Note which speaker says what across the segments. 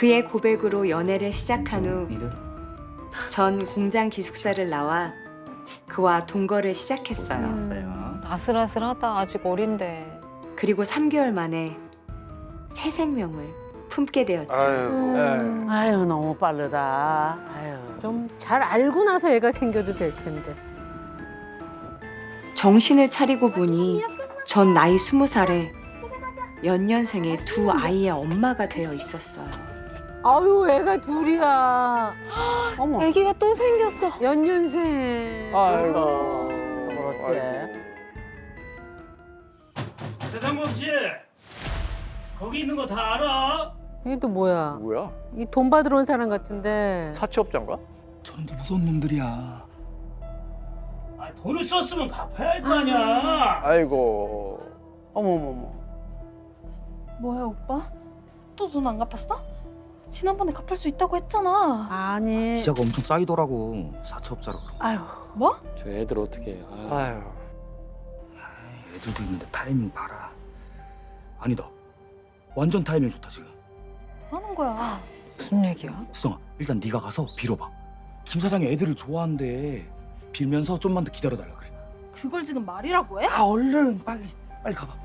Speaker 1: 그의 고백으로 연애를 시작한 후 전 공장 기숙사를 나와 그와 동거를 시작했어요.
Speaker 2: 아슬아슬하다. 아직 어린데.
Speaker 1: 그리고 3개월 만에 새 생명을 품게 되었죠.
Speaker 3: 아이고.
Speaker 4: 아유 너무 빠르다. 아유.
Speaker 5: 좀 잘 알고 나서 애가 생겨도 될 텐데.
Speaker 1: 정신을 차리고 보니 전 나이 20살에 연년생의 두 아이의 엄마가 되어 있었어요.
Speaker 5: 아유 애가 둘이야.
Speaker 4: 어머.
Speaker 2: 아기가 또 생겼어.
Speaker 5: 연년생.
Speaker 4: 아이고. 그렇지.
Speaker 6: 대상범 씨, 거기 있는 거 다 알아?
Speaker 5: 이게 또 뭐야?
Speaker 7: 뭐야?
Speaker 5: 이 돈 받으러 온 사람 같은데.
Speaker 7: 사채업자인가?
Speaker 8: 저런데 무서운 놈들이야.
Speaker 6: 아, 돈을 썼으면 갚아야 할 거 아니야.
Speaker 7: 아이고.
Speaker 4: 어머머머.
Speaker 9: 뭐야 오빠? 또 돈 안 갚았어? 지난번에 갚을 수 있다고 했잖아.
Speaker 4: 아니.
Speaker 8: 이자가 엄청 쌓이더라고. 사채업자라 그러고.
Speaker 4: 아유.
Speaker 9: 뭐?
Speaker 7: 저 애들 어떻게 해. 아유.
Speaker 8: 애들도 있는데 타이밍 봐라. 아니다. 완전 타이밍 좋다 지금.
Speaker 9: 뭐라는 거야?
Speaker 2: 무슨 얘기야?
Speaker 8: 수정아, 일단 네가 가서 빌어봐. 김 사장이 애들을 좋아한대. 빌면서 좀만 더 기다려달라 그래.
Speaker 9: 그걸 지금 말이라고 해?
Speaker 8: 아 얼른 빨리 가봐.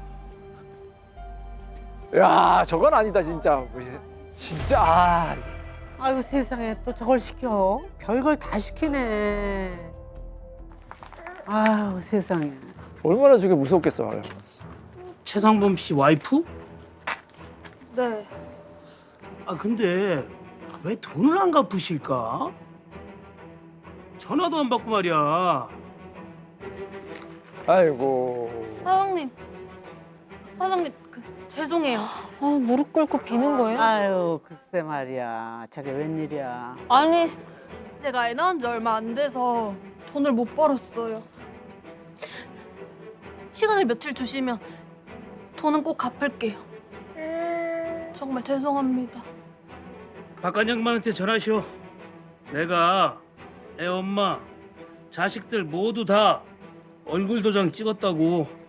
Speaker 7: 야, 저건 아니다 진짜. 진짜. 아.
Speaker 5: 아유 세상에 또 저걸 시켜. 별걸 다 시키네. 아유 세상에.
Speaker 7: 얼마나 저게 무섭겠어. 아유.
Speaker 6: 최상범 씨 와이프?
Speaker 9: 네.
Speaker 6: 아, 근데 왜 돈을 안 갚으실까? 전화도 안 받고 말이야.
Speaker 7: 아이고.
Speaker 9: 사장님. 사장님 죄송해요.
Speaker 2: 아, 무릎 꿇고 비는 거예요?
Speaker 4: 아유 글쎄 말이야. 저게 웬일이야.
Speaker 9: 아니 제가 애 낳은 지 얼마 안 돼서 돈을 못 벌었어요. 시간을 며칠 주시면 돈은 꼭 갚을게요. 정말 죄송합니다.
Speaker 6: 박관 양반한테 전화시오. 내가 애 엄마, 자식들 모두 다 얼굴 도장 찍었다고.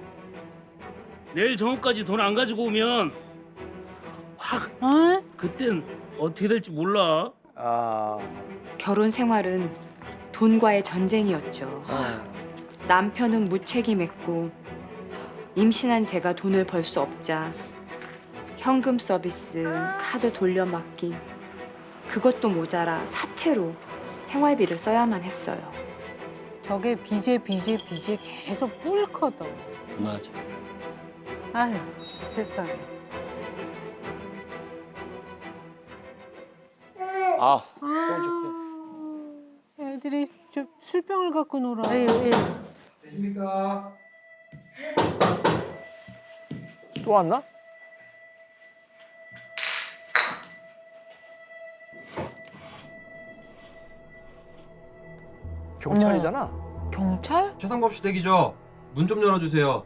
Speaker 6: 내일 정오까지 돈 안 가지고 오면 확
Speaker 5: 어?
Speaker 6: 그땐 어떻게 될지 몰라.
Speaker 7: 아.
Speaker 1: 결혼 생활은 돈과의 전쟁이었죠. 남편은 무책임했고 임신한 제가 돈을 벌 수 없자 현금 서비스, 카드 돌려막기 그것도 모자라 사채로 생활비를 써야만 했어요.
Speaker 5: 저게 빚에 계속 뿔거든.
Speaker 7: 맞아.
Speaker 4: 아유 세상에.
Speaker 7: 아.
Speaker 5: 애들이 저 술병을 갖고 놀아.
Speaker 4: 아유 예.
Speaker 7: 또 왔나? 경찰이잖아.
Speaker 2: 경찰?
Speaker 10: 최상범 씨 댁이죠? 문 좀 열어주세요.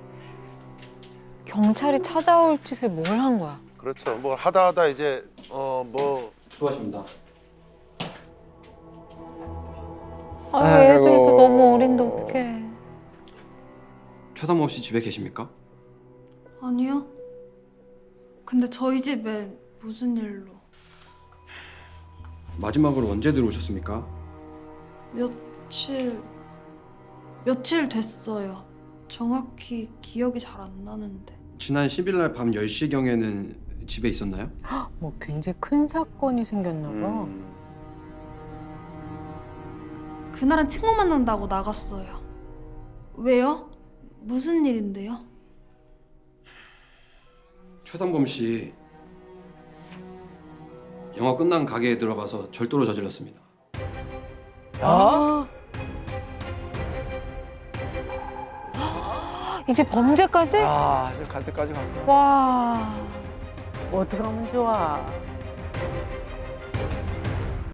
Speaker 2: 경찰이 찾아올 짓을 뭘 한 거야?
Speaker 3: 그렇죠. 뭐 하다 이제 뭐
Speaker 10: 수고하십니다.
Speaker 2: 아,
Speaker 7: 아이고.
Speaker 2: 애들도 너무 어린데 어떡해.
Speaker 10: 최상범 씨 집에 계십니까?
Speaker 9: 아니요. 근데 저희 집에 무슨 일로?
Speaker 10: 마지막으로 언제 들어오셨습니까?
Speaker 9: 며칠 됐어요. 정확히 기억이 잘 안 나는데.
Speaker 10: 지난 10일 날 밤 10시경에는 집에 있었나요?
Speaker 5: 뭐 굉장히 큰 사건이 생겼나 봐.
Speaker 9: 그날은 친구 만난다고 나갔어요. 왜요? 무슨 일인데요?
Speaker 10: 최상범 씨 영화 끝난 가게에 들어가서 절도를 저질렀습니다.
Speaker 7: 아?
Speaker 2: 이제 범죄까지?
Speaker 7: 아, 이제 갈 때까지 갔구나.
Speaker 2: 와.
Speaker 4: 어떻게 하면 좋아.